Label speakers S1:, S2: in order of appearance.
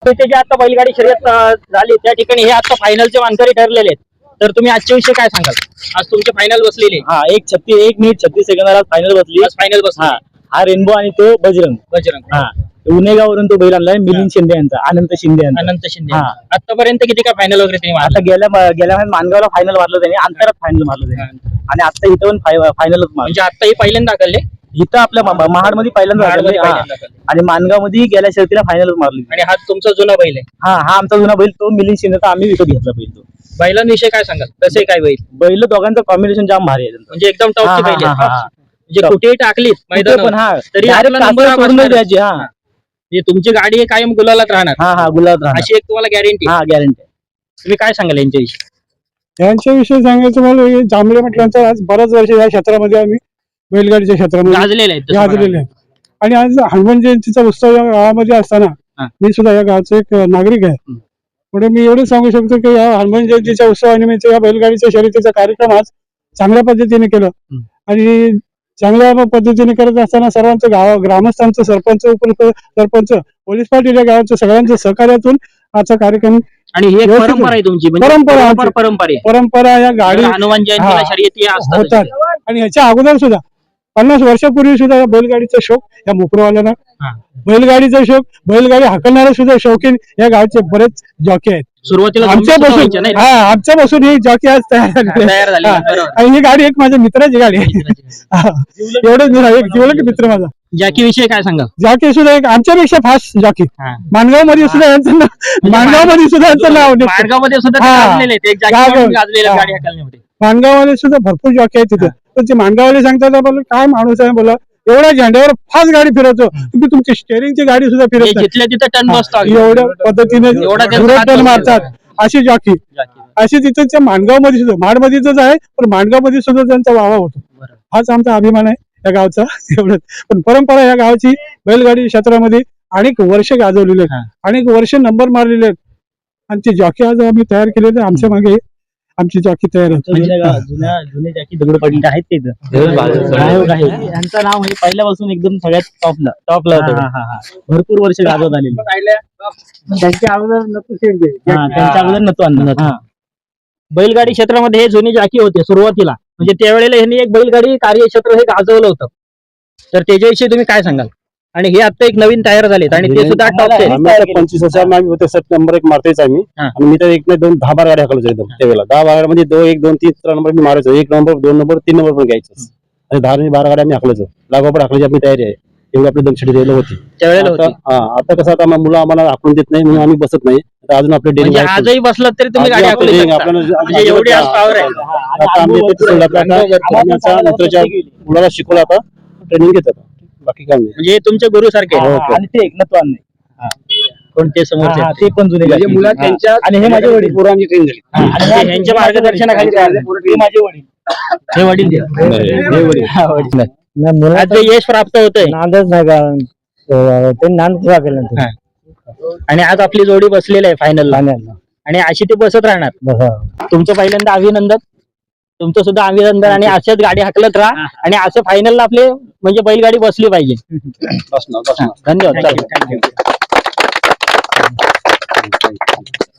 S1: तिथे जे आता बैलगाडी शर्यत झाली त्या ठिकाणी हे आता फायनलचे मानकरी ठरलेले आहेत. तर तुम्ही आजच्या विषयी काय सांगाल? आज तुमचे फायनल बसलेले.
S2: हा 1 मिनिट 36 सेकंदाला फायनल बसली.
S1: आज फायनल बसली.
S2: हा रेनबो आणि तो बजरंग. हा उनेगावरून तो बैल आणलाय मिलिंद शिंदे यांचा, अनंत शिंदे
S1: आतापर्यंत किती काय फायनल वगैरे त्यांनी
S2: आता गेल्या महिन्यात मानगावला फायनल मारलं त्यांनी, अंतरात फायनल मारलं त्यांनी आणि आता इथं पण फायनलच मारलं.
S1: म्हणजे आता ही पहिल्यांदा दाखवले
S2: इथं आपल्या महाड मध्ये पहिल्यांदा आणि मानगाव मध्ये गेल्या शर्यतीला फायनल मारली.
S1: आणि हा तुमचा जुना बैल आहे?
S2: हा आमचा जुना बैल, तो मिलिंद शिंदेचा आम्ही विकत घेतला बैल. तो
S1: बैलांविषयी काय सांगाल? कसे काय बैल
S2: दोघांचं कॉम्बिनेशन जाम भारी आहे,
S1: म्हणजे एकदम टॉपचे बैल आहेत. म्हणजे कुठेही टाकली मैदानावर तरी
S2: सोडून द्यायची.
S1: तुमची गाडी कायम गुलालात राहणार.
S2: गुलाबात राहणार
S1: अशी एक तुम्हाला गॅरंटी?
S2: गॅरंटी.
S1: तुम्ही काय सांगाल यांच्याविषयी?
S3: यांच्याविषयी सांगायचं मला, जांभळे म्हटल्यानंतर आज बऱ्याच वर्ष या क्षेत्रामध्ये आम्ही बैलगाडीच्या क्षेत्रामध्ये गाजलेले आहेत. आणि आज हनुमान जयंतीचा उत्सव या गावामध्ये असताना मी सुद्धा या गावचा एक नागरिक आहे. पुढे मी एवढं सांगू शकतो की या हनुमान जयंतीच्या उत्सवानिमित्त या बैलगाडीच्या शर्यतीचा कार्यक्रम आज चांगल्या पद्धतीने केलं. आणि चांगल्या पद्धतीने करत असताना सर्वांचं ग्रामस्थांचं, सरपंच, उपसरपंच, पोलीस पाटील या गावाच्या सगळ्यांच्या सहकार्यातून आजचा कार्यक्रम.
S1: आणि ही एक परंपरा आहे तुमची?
S3: परंपरा या गाडी
S1: हनुमान जयंतीला शर्यती
S3: होतात. आणि ह्याच्या अगोदर सुद्धा 50 वर्षापूर्वी सुद्धा या बैलगाडीचा शौक या मोपरवाल्यांना, बैलगाडीचा शौक, बैलगाडी हाकलणारे सुद्धा शौकीन या गावचे बरेच जॉकी आहेत.
S1: सुरुवातीला
S3: आमच्यापासून ही जॉकी आज तयार झाली. आणि ही गाडी एक माझ्या मित्राची गाडी आहे. एवढंच एक जिवलग मित्र माझा.
S1: जॉकी विषयी काय सांगा?
S3: जॉकी सुद्धा एक आमच्यापेक्षा फास्ट जॉकी. माणगाव मध्ये सुद्धा यांचं नाव, माणगावमध्ये सुद्धा यांचं नाव, माणगावमध्ये सुद्धा भरपूर जॉकी आहेत तिथे. पण ते माणगाववाले सांगतात बोला काय माणूस आहे, बोला एवढ्या झेंड्यावर फास्ट गाडी फिरवतो, तुम्ही तुमची स्टेअरिंगची गाडी सुद्धा फिरवतो, एवढ्या पद्धतीने टन मारतात अशी जॉकी. अशी तिथे माणगावमध्ये सुद्धा, महाडमध्येच आहे पण माणगावमध्ये सुद्धा त्यांचा वावा होतो. हाच आमचा अभिमान आहे या गावचा. एवढंच. पण परंपरा या गावची बैलगाडी क्षेत्रामध्ये अनेक वर्ष गाजवलेले आहेत, अनेक वर्ष नंबर मारलेले आहेत. आणि ते जॉकी आज आम्ही तयार केलेले, आमच्या मागे आमची जॉकी तयार होती.
S2: जुने जॉकी दगड पडले आहेत ते यांचं नाव म्हणजे पहिल्यापासून एकदम सगळ्यात टॉपला होतं. भरपूर वर्ष गाजवत आलेले. त्यांच्या अगोदर नतू आणला.
S1: बैलगाडी क्षेत्रामध्ये हे जुने जॉकी होते सुरुवातीला, म्हणजे त्यावेळेला यांनी एक बैलगाडी कार्यक्षेत्र हे गाजवलं होतं. तर त्याच्याविषयी तुम्ही काय सांगाल? आणि हे आता एक नवीन तयार झालेत आणि ते सुद्धा टॉप.
S3: 25 होते, 7 नंबर एक मारतेच आम्ही. आणि मी तर 1 नाही 2 10 बार गाडी हाकलायचो एकदम त्यावेळेला. 10 बारामध्ये 2 1 2 3 4 नंबर मी मारायचो. 1 नंबर 2 नंबर 3 नंबर पण घ्यायचं. आणि 10 आणि 12 गाड्या आम्ही हाकलायचो. लागोपाठ हाकलायची आपली तयारी आहे. एवढी आपली दमछडी द्यायला होती त्यावेळेला. आता कसं आता मुलं आम्हाला हाकलून देत नाही म्हणून आम्ही बसत नाही. अजून आपले डेली
S1: आजही बसलं तरी तुम्ही गाडी हाकलू शकता, एवढी आज पॉवर आहे.
S3: आता आम्ही मित्राच्या मुलाला शिकवलं, आता ट्रेनिंग घेतात. बाकी काय नाही,
S1: म्हणजे तुमचे गुरु सारखे.
S2: आणि ते एकनाथ नाही
S1: कोणते समोर
S2: ते पण जुने आणि हे माझे वडील
S3: पोरांची ट्रेनिंग झाली.
S1: यांच्या मार्गदर्शनाखाली
S2: माझे वडील.
S1: हे वडील आज यश प्राप्त होतंय.
S2: नांदच नाही का ते नांद केलं.
S1: आणि आज आपली जोडी बसलेली आहे फायनल, आणि अशी ती बसत राहणार. तुमचं पहिल्यांदा अभिनंदन, तुमचं सुद्धा अभिनंदन. आणि अशाच गाडी हाकलत राहा आणि असं फायनलला आपले म्हणजे बैलगाडी बसली पाहिजे. धन्यवाद.